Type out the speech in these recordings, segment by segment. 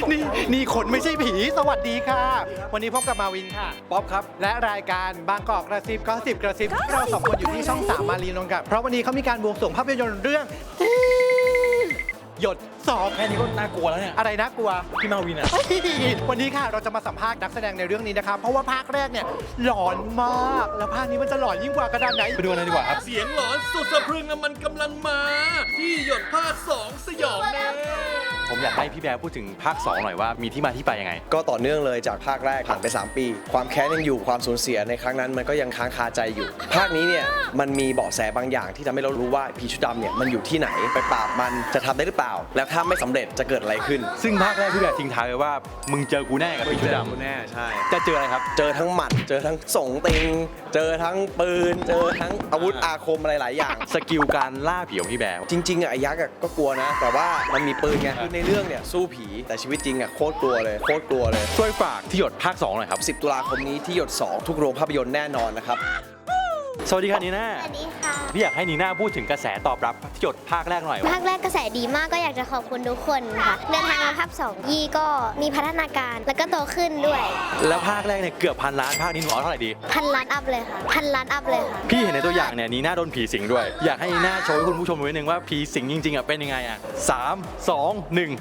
นี่คนไม่ใช่ผีสวัสดีค่ะ วันนี้พบกับมาวินค่ะป๊อปครับและรายการบางกอกกระซิบก็10กระซิบเราสองคนอยู่ที่ช่อง3มารีนนท์ครับเพราะวันนี้เขามีการบวงสรวงภาพยนตร์เรื่องหยดสองแค่นี้ก็น่ากลัวแล้วเนี่ยอะไรน่ากลัวพี่มาวินอ่ะวันนี้ค่ะเราจะมาสัมภาษณ์นักแสดงในเรื่องนี้นะครับเพราะว่าภาคแรกเนี่ยหลอนมากแล้วภาคนี้มันจะหลอนยิ่งกว่ากระดานไหนไปดูกันเลยดีกว่าครับเสียงหลอนสุดสะพรึงน่ะมันกำลังมา ที่หยดภาค2สยองแน่ผมอยากให้พี่แบร์พูดถึงภาค 2 หน่อยว่ามีที่มาที่ไปยังไงก็ต่อเนื่องเลยจากภาคแรกผ่านไป 3 ปี ความแค้นยังอยู่ความสูญเสียในครั้งนั้นมันก็ยังค้างคาใจอยู่ ภาคนี้เนี่ยมันมีเบาะแสบางอย่างที่ทำให้เรารู้ว่าผีชุดดำเนี่ยมันอยู่ที่ไหนไปปราบมันจะทำได้หรือเปล่า แล้วถ้าไม่สำเร็จจะเกิดอะไรขึ้นซึ่งภาคแรกพี่แบร์ทิ้งท้ายไว้ว่ามึงเจอกูแน่กับพี่ชุดดำแน่ใช่จะเจออะไรครับเจอทั้งหมัดเจอทั้งสงติงเจอทั้งปืนเจอทั้งอาวุธอาคมอะไรหลายอย่างสกิลการล่าผีของพี่แบร์จริงๆอ่ะไอ้ยักษ์อ่ะก็กลัวนะ แต่ว่ามันมีปืนไงคือในเรื่องเนี่ยสู้ผีแต่ชีวิตจริงอ่ะโคตรกลัวเลยโคตรกลัวเลยช่วยฝากที่หยดภาค 2 หน่อยครับ 10 ตุลาคมนี้ที่หยด 2 ทุกโรงภาพยนตร์แน่นอนนะครับสวัสดีค่ะนีน่าสวัสดีค่ะพี่อยากให้นีน่าพูดถึงกระแสตอบรับที่หยดภาคแรกหน่อยภาคแรกกระแสดีมากก็อยากจะขอบคุณทุกคนค่ะเดินทางมาภาค2ยี่ก็มีพัฒนาการแล้วก็โตขึ้นด้วยแล้วภาคแรกเนี่ยเกือบพันล้านภาคนี้หนูเอาเท่าไหร่ดี 1,000 ล้านอัพเลยค่ะ1,000 ล้านอัพเลยค่ะพี่เห็นในตัวอย่างเนี่ยนีน่าโดนผีสิงด้วย อยากให้นีน่าโชว์ให้คุณผู้ชมดูนิดนึงว่าผีสิงจริงๆอ่ะเป็นยังไงอ่ะ3 2 1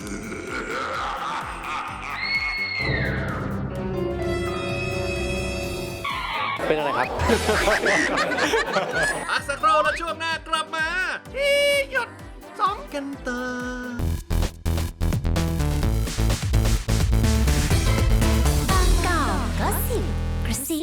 เป็นอะไรครับพักสักครู่แล้วช่วงหน้ากลับมาที่หยด2กันต่อบางกอกก็สิบกระซิ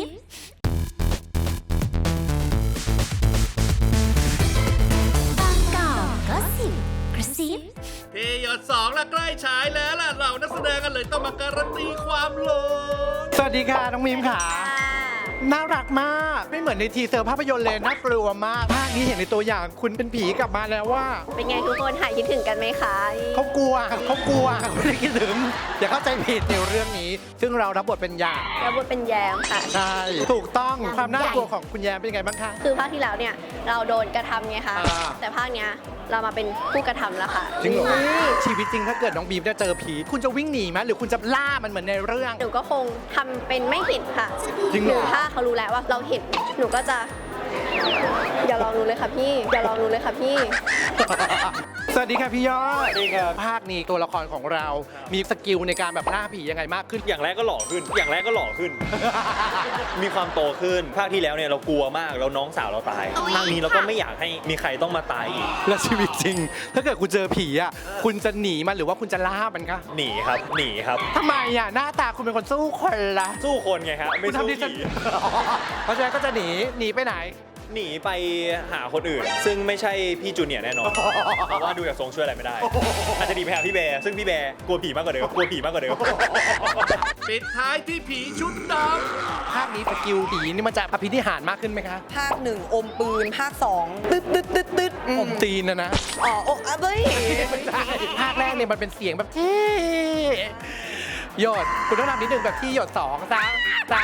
บางกอกก็สิบกระซิบที่หยด2แล้วใกล้ฉายแล้วล่ะเรานักแสดงกันเลยต้องมาการันตีความหลอนสวัสดีค่ะน้องมิมค่ะน่ารักมากไม่เหมือนในทีเซอร์ภาพยนตร์เลยน่ากลัวมากภาคนี้เห็นในตัวอย่างคุณเป็นผีกลับมาแล้วว่าเป็นไงทุกคนหายคิดถึงกันไหมคะเขากลัวไม่ได้คิดถึงอย่าเข้าใจผิดในเรื่องนี้ ซึ่งเรารับบทเป็นยามแล้วบทเป็นแยมค่ะใช่ถูกต้องความน่ากลัวของคุณแยมเป็นยังไงบ้างคะคือภาคที่แล้วเนี่ยเราโดนกระทำไงคะอ่าแต่ภาคเนี้ยเรามาเป็นผู้กระทำแล้วค่ะจริงเหรอชีวิตจริงถ้าเกิดน้องบีมได้เจอผีคุณจะวิ่งหนีไหมหรือคุณจะล่ามันเหมือนในเรื่องหนูก็คงทำเป็นไม่เห็นค่ะจริงเหรอถ้าเขารู้แล้วว่าเราเห็นหนูก็จะ อย่าลองหนูเลยค่ะพี่ อย่าลองหนูเลยค่ะพี่สวัสดีค่ะพี่ยอดสวัสดีครับภาคนี้ตัวละครของเรา มีสกิลในการแบบล่าผียังไงมากขึ้นอย่างแรกก็หล่อขึ้น อย่างแรกก็หล่อขึ้น มีความโตขึ้น ภาคที่แล้วเนี่ยเรากลัวมาก แล้วน้องสาวเราตาย ภาคนี้เราก็ไม่อยากให้มีใครต้องมาตายอีกและชีวิตจริง ถ้าเกิดคุณเจอผีอ่ะคุณจะหนีมันหรือว่าคุณจะล่ามันคะหนีครับ หนีครับทำไมอ่ะหน้าตาคุณเป็นคนสู้คนละสู้คนไงครับ ไม่คุณสู้ทำดิฉันผีเพราะฉะนั้นก็จะหนีไปไหนหนีไปหาคนอื่น ซึ่งไม่ใช่พี่จูเนียร์แน่นอน เพราะว่าดูจากทรงช่วยอะไรไม่ได้ อาจจะหนีไปหาพี่แบร์ ซึ่งพี่แบร์กลัวผีมากกว่าเดิม กลัวผีมากกว่าเดิมปิดท้ายที่ผีชุดดภาคนี้สกิลผีนี่มันจะอภินิหารมากขึ้นไหมคะภาคหนึ่งอมปืน ภาคสองตึ๊ดตึ๊ดตึ๊ดตึ๊ดอมตีนนะอ๋อโอ้อะเบ้ยภาคแรกเนี่ยมันเป็นเสียงแบบหยดคุณต้องทำนิดนึงแบบที่หยด3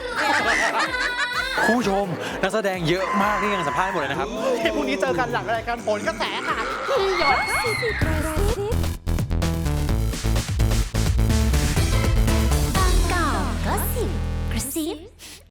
ผู้ชมนักแสดงเยอะมากที่ยังสัมภาษณ์ไม่หมดเลยนะครับที่พรุ่งนี้เจอกันหลังรายการโหนกระแสค่ะที่หยด